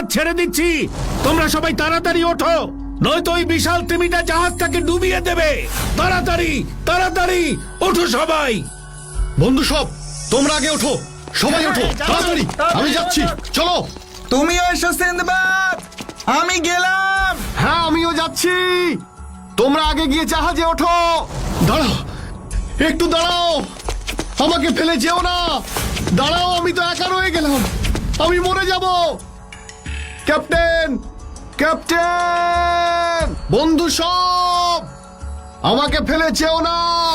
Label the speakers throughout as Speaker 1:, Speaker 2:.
Speaker 1: ছেড়ে দিচ্ছি। তোমরা সবাই তাড়াতাড়ি ওঠো, নয়তো ওই বিশাল তিমিটা জাহাজটাকে ডুবিয়ে দেবে। তাড়াতাড়ি তাড়াতাড়ি ওঠো সবাই।
Speaker 2: বন্ধু সব, তোমরা আগে ওঠো, সবাই ওঠো তাড়াতাড়ি, আমি যাচ্ছি, চলো।
Speaker 3: তুমিও এসো সিন্দবাদ, আমি গেলাম।
Speaker 2: হ্যাঁ, আমিও যাচ্ছি, তোমরা আগে গিয়ে জাহাজে ওঠো। দাঁড়াও, একটু দাঁড়াও, আমাকে ফেলে যেও না। দাঁড়াও, আমি তো একা রয়ে গেলাম, আমি মরে যাব। ক্যাপ্টেন, ক্যাপ্টেন, বন্ধু সব, আমাকে ফেলে যেও না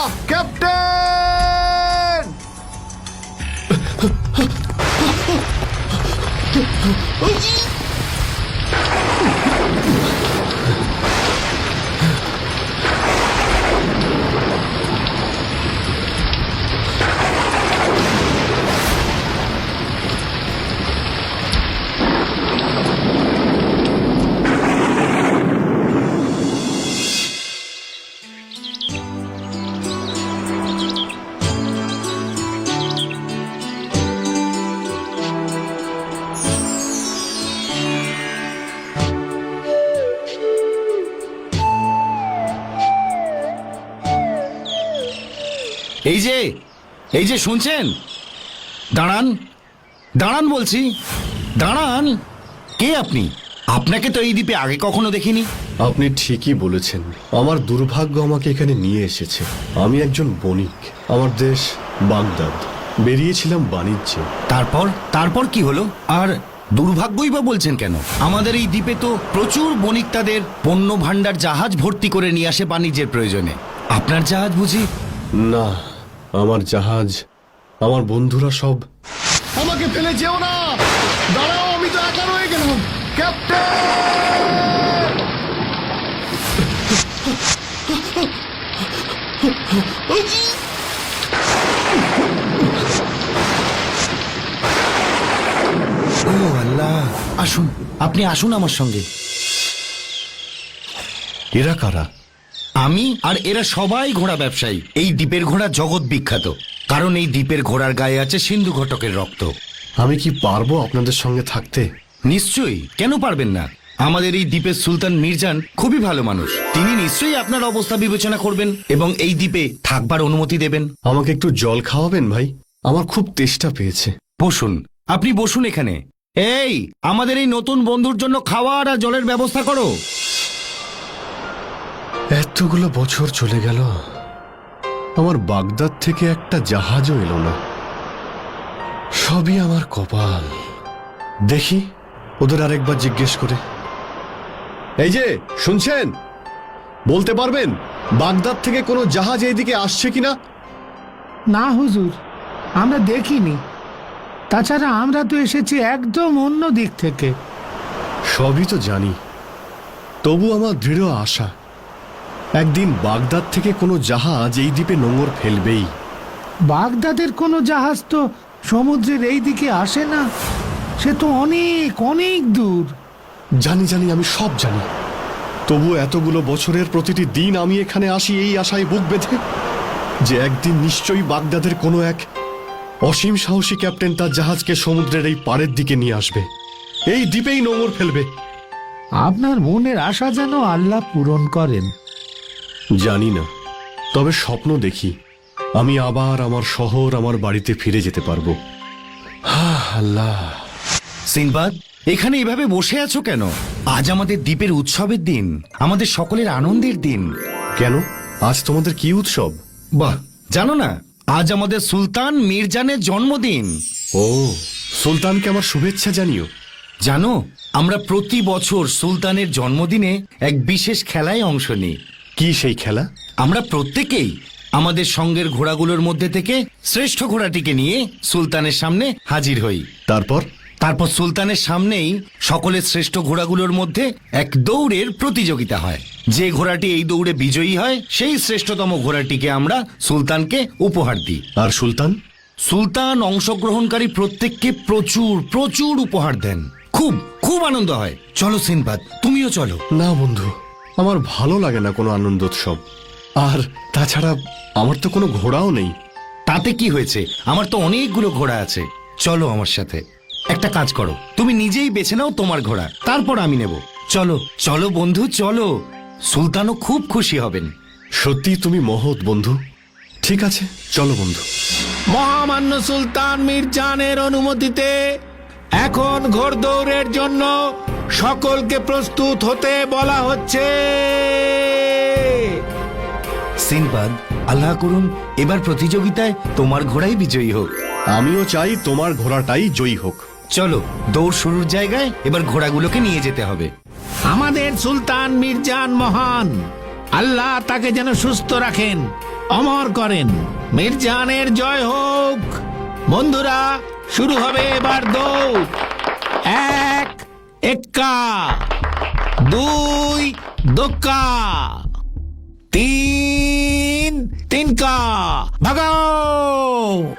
Speaker 2: ক্যাপ্টেন।
Speaker 1: এই যে শুনছেন, দাঁড়ান দাঁড়ান বলছি, দাঁড়ান। কে আপনি? আপনাকে তো এই দ্বীপে আগে কখনো দেখিনি।
Speaker 2: আপনি ঠিকই বলেছেন, আমার দুর্ভাগ্য আমাকে এখানে নিয়ে এসেছে। আমি একজন বণিক, আমার দেশ বাগদাদ, বেরিয়েছিলাম বাণিজ্যে।
Speaker 1: তারপর তারপর কি হলো? আর দুর্ভাগ্যই বা বলছেন কেন? আমাদের এই দ্বীপে তো প্রচুর বণিক তাদের পণ্য ভাণ্ডার জাহাজ ভর্তি করে নিয়ে আসে বাণিজ্যের প্রয়োজনে। আপনার জাহাজ বুঝি?
Speaker 2: না, আমার জাহাজ, আমার বন্ধুরা সব। আমাকে ফেলে যেও না, দাঁড়াও, আমি তো একা রয়ে গেলাম ক্যাপ্টেন।
Speaker 1: ও আল্লাহ, আসুন, আপনি আসুন আমার সঙ্গে।
Speaker 2: এরা কারা?
Speaker 1: আমি আর এরা সবাই ঘোড়া ব্যবসায়ী। এই দ্বীপের ঘোড়া জগৎ বিখ্যাত, কারণ এই দ্বীপের ঘোড়ার গায়ে আছে সিন্ধু ঘটকের রক্ত।
Speaker 2: আমি কি পারবো আপনাদের সঙ্গে থাকতে?
Speaker 1: নিশ্চয়ই, কেন পারবেন না? আমাদের এই দ্বীপের সুলতান মির্জান খুবই ভালো মানুষ। তিনি নিশ্চয়ই আপনার অবস্থা বিবেচনা করবেন এবং এই দ্বীপে থাকবার অনুমতি দেবেন।
Speaker 2: আমাকে একটু জল খাওয়াবেন ভাই, আমার খুব তেষ্টা পেয়েছে।
Speaker 1: বসুন, আপনি বসুন এখানে। এই, আমাদের এই নতুন বন্ধুর জন্য খাওয়ার আর জলের ব্যবস্থা করো।
Speaker 2: এতগুলো বছর চলে গেল, আমার বাগদাদ থেকে একটা জাহাজও এলো না। সবই আমার কপাল। দেখি ওদের আরেকবার জিজ্ঞেস করে। এই যে শুনছেন, বলতে পারবেন বাগদাদ থেকে কোনো জাহাজ এইদিকে আসছে কিনা?
Speaker 4: না হুজুর, আমরা দেখিনি। তাছাড়া আমরা তো এসেছি একদম অন্য দিক থেকে।
Speaker 2: সবই তো জানি, তবু আমার দৃঢ় আশা একদিন বাগদাদ থেকে কোনো জাহাজ এই দ্বীপে নোঙর ফেলবেই।
Speaker 4: বাগদাদের কোনো জাহাজ তো সমুদ্রের এই দিকে আসে না, সে তো অনেক অনেক দূর।
Speaker 2: জানি জানি, আমি সব জানি, তবু এতগুলো বছরের প্রতিটি দিন আমি এখানে আসি এই আশায় বুক বেঁধে যে একদিন নিশ্চয়ই বাগদাদের কোনো এক অসীম সাহসী ক্যাপ্টেন তার জাহাজকে সমুদ্রের এই পাড়ের দিকে নিয়ে আসবে, এই দ্বীপেই নোঙর ফেলবে।
Speaker 4: আপনার মনের আশা যেন আল্লাহ পূরণ করেন।
Speaker 2: জানি না, তবে স্বপ্ন দেখি আমি আবার আমার শহর, আমার বাড়িতে ফিরে যেতে পারবো। আল্লাহ।
Speaker 1: সিনবাদ, এখানে এভাবে বসে আছো কেন? আজ আমাদের দ্বীপের উৎসবের দিন, আমাদের সকলের আনন্দের দিন।
Speaker 2: কেন, আজ তোমাদের কি উৎসব?
Speaker 1: বাহ, জানো না, আজ আমাদের সুলতান মির্জানের জন্মদিন।
Speaker 2: ও, সুলতানকে আমার শুভেচ্ছা জানিও।
Speaker 1: জানো, আমরা প্রতি বছর সুলতানের জন্মদিনে এক বিশেষ খেলায় অংশ নিই।
Speaker 2: কি সেই খেলা?
Speaker 1: আমরা প্রত্যেকেই আমাদের সঙ্গের ঘোড়াগুলোর মধ্যে থেকে শ্রেষ্ঠ ঘোড়াটিকে নিয়ে সুলতানের সামনে হাজির হই।
Speaker 2: তারপর
Speaker 1: সুলতানের সামনেই সকলের শ্রেষ্ঠ ঘোড়াগুলোর মধ্যে এক দৌড়ের প্রতিযোগিতা হয়। যে ঘোড়াটি এই দৌড়ে বিজয়ী হয় সেই শ্রেষ্ঠতম ঘোড়াটিকে আমরা সুলতানকে উপহার দিই।
Speaker 2: আর সুলতান?
Speaker 1: সুলতান অংশগ্রহণকারী প্রত্যেককে প্রচুর প্রচুর উপহার দেন। খুব খুব আনন্দ হয়। চলো সিনবাদ, তুমিও চলো।
Speaker 2: না বন্ধু, আমার ভালো লাগে না কোনো আনন্দোৎসব। আর তাছাড়া আমার তো কোনো ঘোড়াও নেই।
Speaker 1: তাতে কি হয়েছে, আমার তো অনেকগুলো ঘোড়া আছে। চলো আমার সাথে। একটা কাজ করো, তুমি নিজেই বেছে নাও তোমার ঘোড়া, তারপর আমি নেব। চলো চলো বন্ধু, চলো। সুলতানও খুব খুশি হবেন।
Speaker 2: সত্যি তুমি মহৎ বন্ধু। ঠিক আছে, চলো বন্ধু।
Speaker 5: মহামান্য সুলতান মির্জানের অনুমতিতে এখন ঘোড়দৌড়ের জন্য সকলকে প্রস্তুত হতে বলা হচ্ছে।
Speaker 1: সিনবাদ, আল্লাহ করুন এবার প্রতিযোগিতায় তোমার ঘোড়াই বিজয়ী হোক।
Speaker 2: আমিও চাই তোমার ঘোড়াটাই জয়ী হোক।
Speaker 1: চলো, দৌড় শুরুর জায়গায় এবার ঘোড়াগুলোকে নিয়ে যেতে হবে।
Speaker 5: আমাদের সুলতান মির্জান মহান, আল্লাহ তাকে যেন সুস্থ রাখেন, অমর করেন। মির্জানের জয় হোক। বন্ধুরা, শুরু হবে এবার দৌড়। 1 এক্কা, 2 দোক্কা, 3 তিনকা, ভাগাও।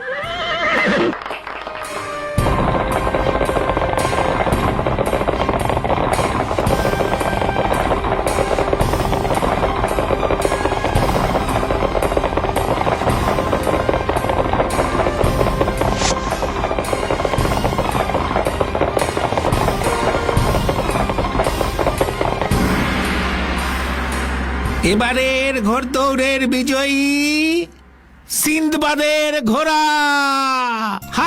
Speaker 5: এবারের ঘোড়দৌড়ের বিজয়ী সিন্দবাদের ঘোড়া। হা!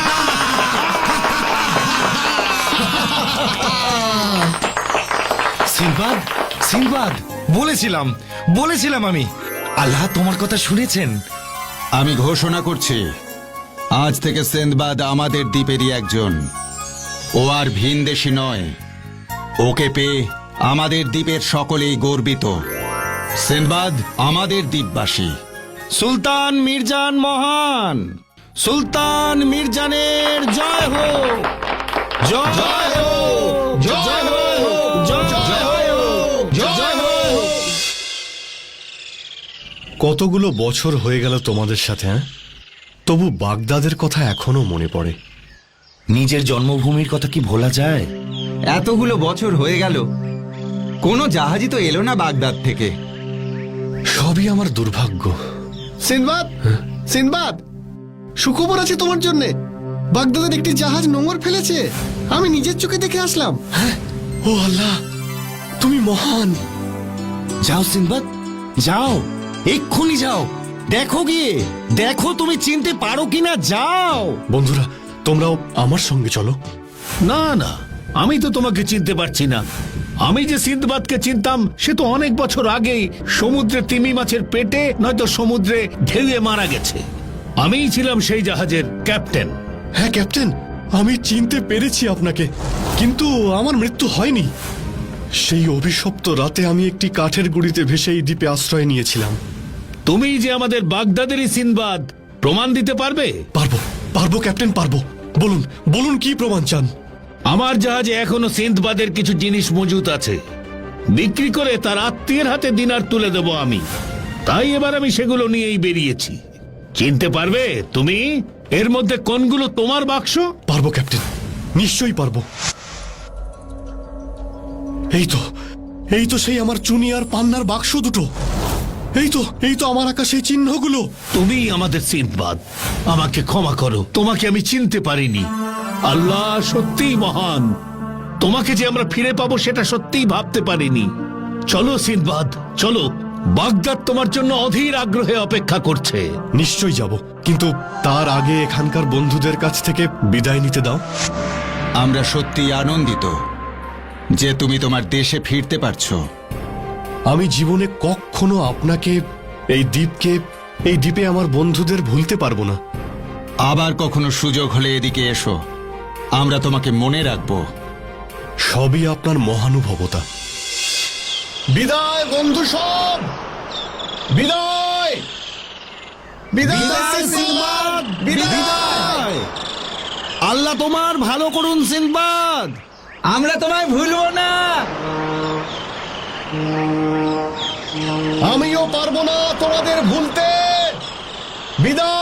Speaker 1: সিনবাদ, সিনবাদ, বলেছিলাম বলেছিলাম আমি। আল্লাহ তোমার কথা শুনেছেন।
Speaker 3: আমি ঘোষণা করছি, আজ থেকে সিন্দবাদ আমাদের দ্বীপেরই একজন। ও আর ভিনদেশী নয়। ওকে পেয়ে আমাদের দ্বীপের সকলেই গর্বিত। সিন্দবাদ আমাদের দ্বীপবাসী।
Speaker 1: সুলতান মির্জান মহান, সুলতান মির্জানের জয় হোক, জয় হোক, জয় হোক, জয় হোক, জয় হোক।
Speaker 2: কতগুলো বছর হয়ে গেল তোমাদের সাথে, হ্যাঁ? তবু বাগদাদের কথা এখনো মনে পড়ে।
Speaker 1: নিজের জন্মভূমির কথা কি ভোলা যায়?
Speaker 3: এতগুলো বছর হয়ে গেল, কোনো জাহাজই তো এলো না বাগদাদ থেকে।
Speaker 2: সবই আমার দুর্ভাগ্য।
Speaker 6: সিনবাদ, সিনবাদ, সুখবর আছে তোমার জন্য। বাগদাদের একটি জাহাজ নোঙর ফেলেছে। আমি নিজের চোখে দেখে আসলাম।
Speaker 2: ও আল্লাহ, তুমি মহান।
Speaker 1: যাও সিনবাদ, যাও, এক্ষুনি যাও। দেখো গিয়ে, দেখো তুমি চিনতে পারো কিনা। যাও।
Speaker 2: বন্ধুরা, তোমরাও আমার সঙ্গে চলো।
Speaker 5: না না, আমি তো তোমাকে চিনতে পারছি না। আমি যে সিন্দবাদকে চিনতাম সে তো অনেক বছর আগেই সমুদ্রে তিমি মাছের পেটে নয়তো সমুদ্রে ঢেউয়ে মারা গেছে। আমিই ছিলাম সেই জাহাজের ক্যাপ্টেন।
Speaker 2: হ্যাঁ ক্যাপ্টেন, আমি চিনতে পেরেছি আপনাকে, কিন্তু আমার মৃত্যু হয়নি। সেই অভিশপ্ত রাতে আমি একটি কাঠের গুঁড়িতে ভেসে এই দ্বীপে আশ্রয় নিয়েছিলাম।
Speaker 5: তুমি যে আমাদের বাগদাদেরই সিন্দবাদ, প্রমাণ দিতে পারবে?
Speaker 2: পারবো, পারবো ক্যাপ্টেন, পারবো। বলুন, বলুন কি প্রমাণ চান?
Speaker 5: আমার জাহাজে এখনো সিন্দবাদের কিছু জিনিস মজুত আছে। বিক্রি করে তার আত্মীয়ের হাতে দিনার তুলে দেব আমি। তাই এবার আমি সেগুলো নিয়েই বেরিয়েছি। চিনতে পারবে তুমি এর মধ্যে কোনগুলো তোমার বাক্স?
Speaker 2: পারবো ক্যাপ্টেন, নিশ্চয়ই পারবো। এই তো, এই তো সেই আমার চুনি আর পান্নার বাক্স দুটো। এই তো আমার আঁকা সেই চিহ্নগুলো।
Speaker 5: তুমি আমাদের সিন্দবাদ, আমাকে ক্ষমা করো, তোমাকে আমি চিনতে পারিনি। আল্লাহ সত্যিই মহান। তোমাকে যে আমরা ফিরে পাবো সেটা সত্যিই ভাবতে পারিনি। চলো সিন্দবাদ, চলো। বাগদাদ তোমার জন্য অধীর আগ্রহে অপেক্ষা করছে।
Speaker 2: নিশ্চয়ই যাব, কিন্তু তার আগে এখানকার বন্ধুদের কাছ থেকে বিদায় নিতে দাও।
Speaker 3: আমরা সত্যি আনন্দিত যে তুমি তোমার দেশে ফিরতে পারছো।
Speaker 2: আমি জীবনে কখনো আপনাকে, এই দ্বীপকে, এই দ্বীপে আমার বন্ধুদের ভুলতে পারবো না।
Speaker 3: আবার কখনো সুযোগ হলে এদিকে এসো, আমরা তোমাকে মনে রাখবো।
Speaker 2: সবই আপনার মহানুভবতা। বিদায় বন্ধু সব, বিদায়,
Speaker 6: বিদায় সিনবাদ, বিদায়।
Speaker 1: আল্লাহ তোমার ভালো করুন সিনবাদ।
Speaker 3: আমরা তোমায় ভুলবো না।
Speaker 2: আমিও পারবো না তোমাদের ভুলতে। বিদায়।